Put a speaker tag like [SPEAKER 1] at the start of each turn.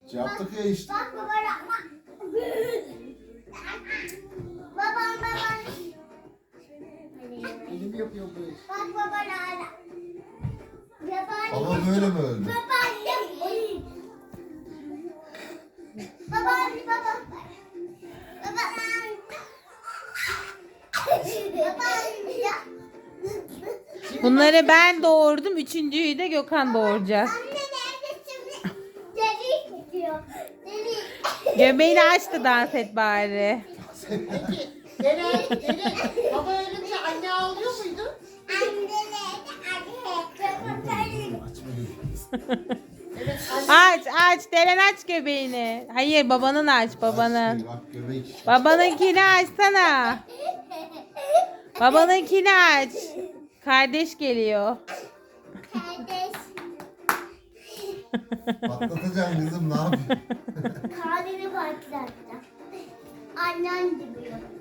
[SPEAKER 1] Yaptık ya işte.
[SPEAKER 2] Bak babana. Babam.
[SPEAKER 3] Elim yapıyor bu iş.
[SPEAKER 2] Bak babana.
[SPEAKER 1] Baba böyle mi öldü?
[SPEAKER 2] Babaannem.
[SPEAKER 4] Bunları ben doğurdum. Üçüncüyü de Gökhan doğuracak.
[SPEAKER 2] Anne neredesin? Deli gidiyor. Deli.
[SPEAKER 4] Göbeğini aç da dans et bari.
[SPEAKER 3] Peki Dere, baba ölünce anne ağlıyor muydu?
[SPEAKER 2] Anne nerede? Anne.
[SPEAKER 3] Evet anne.
[SPEAKER 4] Aç. Deren aç göbeğini. Hayır babanın aç babanın.
[SPEAKER 1] Bak göbek.
[SPEAKER 4] Babanınkini açsana. Babanınkini aç. Kardeş geliyor.
[SPEAKER 2] Kardeş.
[SPEAKER 1] Patlatacaksın kızım, ne yapıyorsun?
[SPEAKER 2] Kalbini patlattı. Annen gibi.